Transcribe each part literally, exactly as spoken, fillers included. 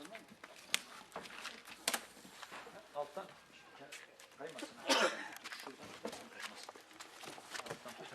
Anladın mı? Alttan kaymasın. Şuradan kaçmasın. Alttan tut.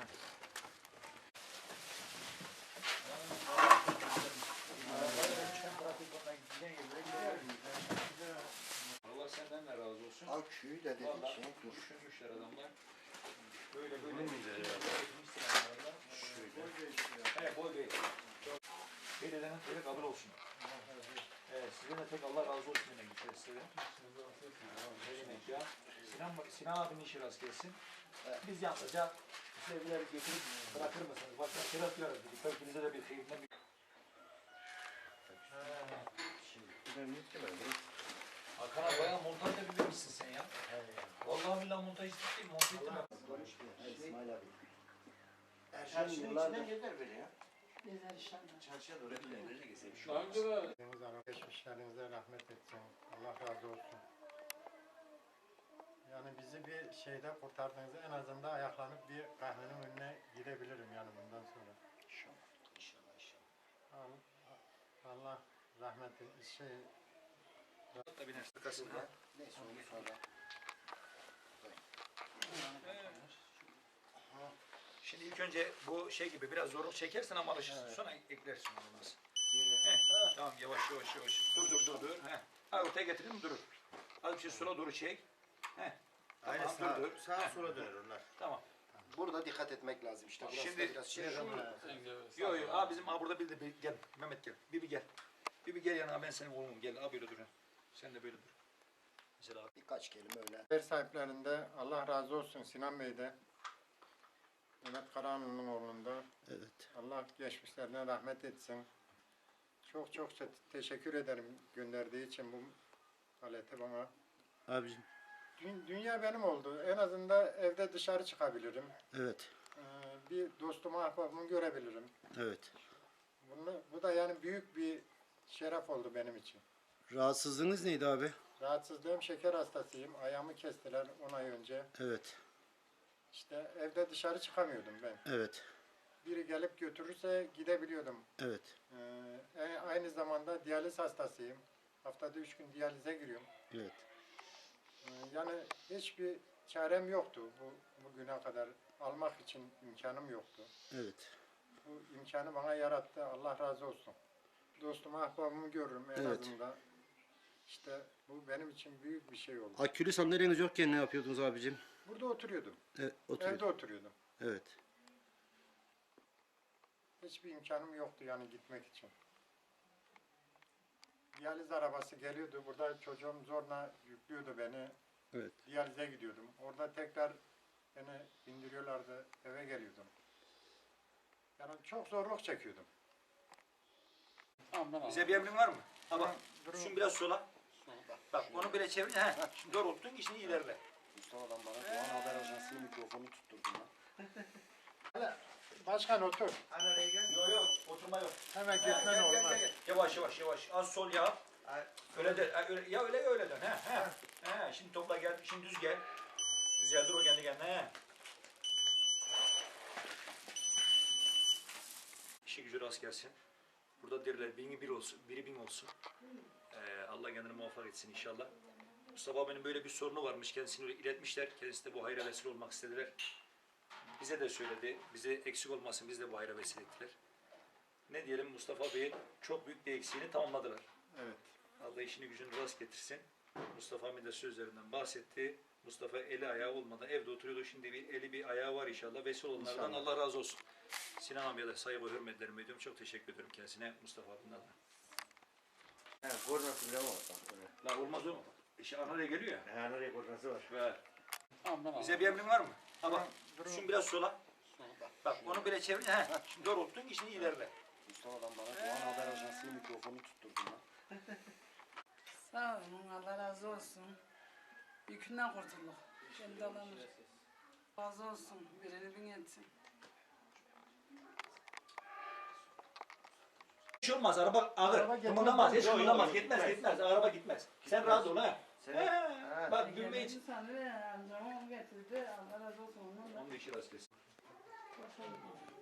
Allah senden de razı olsun. Al küyü de dedik Vallahi şey dur. düşünmüşler adamlar. Böyle böyle mi güzel ya? Şöyle. Evet, boy bey. Bir dedenin teri kabul olsun. Evet, size de tek Allah razı olsun demek istedim size. Ne demek ya? Sinan, Sinan abinin işi rast gelsin. Biz yalnızca sevgileri getirip bırakır mısınız? Başka şeyler yapıyoruz. Kökünüze de bir kıyımdan bir... Hakan abi bayağı montaj da bilmemişsin sen ya. Vallahi billahi montaj değil, montaj ettim ben. İsmail abi. Çarşının içinden gezer böyle ya. Gezer inşallah. Çarşıya doğru hep gezer. Şu an Geçmişlerinize rahmet etsin. Allah razı olsun. Yani bizi bir şeyde kurtardığınızda en azından ayaklanıp bir kahvenin önüne gidebilirim yani bundan sonra. İnşallah. İnşallah inşallah. Allah, Allah rahmet etsin. Şey, da biner arkasına. Neyse onu sonra. Şimdi ilk önce bu şey gibi biraz zorluk çekersin ama alışırsın. Evet. Sonra eklersin olmaz. Yere. Tamam yavaş yavaş yavaş. Dur dur dur dur. Heh. Ha, ortaya getirdin mi durur. Az bir şey sola doğru çek. Heh. Tamam, Aynen sağa, dur dur. sağa sola döner onlar. Tamam. Burada dikkat etmek lazım işte. Burası Şimdi- da biraz şey. Yok yok. Aa bizim aa burada bir de bir, gel. Mehmet gel. Bibi gel. Bibi gel yanına ben senin oğlum gel. Aa böyle dur. Sen de böyle dur. Mesela abi. Birkaç kelime öyle. ev sahiplerinde Allah razı olsun Sinan Bey'de. Mehmet Karahanlı'nın oğlunda. Evet. Allah geçmişlerine rahmet etsin. Çok çok te- teşekkür ederim gönderdiği için bu aleti bana. Abicim. Dü- dünya benim oldu. En azından evde dışarı çıkabilirim. Evet. Ee, bir dostumu, ahbabımı görebilirim. Evet. Bunu, bu da yani büyük bir şeref oldu benim için. Rahatsızlığınız neydi abi? Rahatsızlığım, şeker hastasıyım. Ayağımı kestiler on ay önce. Evet. İşte evde dışarı çıkamıyordum ben. Evet. Biri gelip götürürse gidebiliyordum. Evet. Ee, e- aynı zamanda diyaliz hastasıyım. Haftada üç gün diyalize giriyorum. Evet. Ee, yani hiçbir çarem yoktu bu bugüne kadar. Almak için imkanım yoktu. Evet. Bu imkanı bana yarattı. Allah razı olsun. Dostumu, ahbabımı görürüm en Evet. azından. İşte bu benim için büyük bir şey oldu. Akülü sandalyeniz yokken ne yapıyordunuz abicim? Burada oturuyordum. Evet. Evde oturuyordum. Evet. Hiçbir imkanım yoktu yani gitmek için. Diyaliz arabası geliyordu. Burada çocuğum zorla yüklüyordu beni. Evet. Diyalize gidiyordum. Orada tekrar beni indiriyorlardı. Eve geliyordum. Yani çok zorluk çekiyordum. Bize bir emrin var mı? Ha bak. Durun. Şunu biraz sola. Bak onu böyle çevir. He. Şimdi doğrulttun işini ilerle. Mustafa'dan bana Doğan Haber Ajansı'nın mikrofonu tutturdun lan. Başkan otur. Yok yok oturma yok. Hemen He, gitmen gel, gel, olmaz. gel, gel. Yavaş yavaş yavaş. Az sol yap. Öyle de ha, öyle, ya öyle ya öyle dön. He he. He şimdi topla gel. Şimdi düz gel. Düzeldir o kendi kendine. He. İşi gücü rast gelsin. Burada derler bini bir olsun, biri bin olsun. Ee, Allah kendini muvaffak etsin inşallah. Mustafa abinin böyle bir sorunu varmış. Kendisini iletmişler. Kendisi de bu hayra vesile olmak istediler. Bize de söyledi. Bize eksik olmasın. Biz de bu hayra vesile ettiler. Ne diyelim Mustafa Bey'in çok büyük bir eksiğini tamamladılar. Evet. Allah işini gücünü rast getirsin. Mustafa Bey de sözlerinden bahsetti. Mustafa eli ayağı olmadan evde oturuyordu. Şimdi bir eli bir ayağı var inşallah. Vesile olanlardan İnşallah. Allah razı olsun. Sinan abiye de saygı ve hürmetlerimi ediyorum. Çok teşekkür ediyorum kendisine Mustafa abinin adına. Evet, koordinatı bile var. Bak, öyle. La olmaz o. İşte Anadolu'ya geliyor ya. Ha, nereye koordinatı var? Ver. Bize bir emrin var mı? Ha bak. Durun. Şunu biraz sola. Bak onu böyle çevir. He. Şimdi doğrulttun işini ilerle. Mustafa'dan bana Doğan Haber Ajansı'nın mikrofonu tutturdun lan. Sağ olun, Allah razı olsun. Yükünden kurtulduk. Kendi alanır. Razı olsun, birini bin etsin. Hiç olmaz. Araba ağır. Araba gitmez. Kımıldamaz. Hiç Yok, kımıldamaz. yok, Gitmez gitmez. Araba gitmez. Sen rahat ol ha. Sen- He. Ha. Bak gülme için. Sanırım amcamı getirdi, Allah razı olsun ondan da. Onun da işi rast gelsin. Hoş bulduk.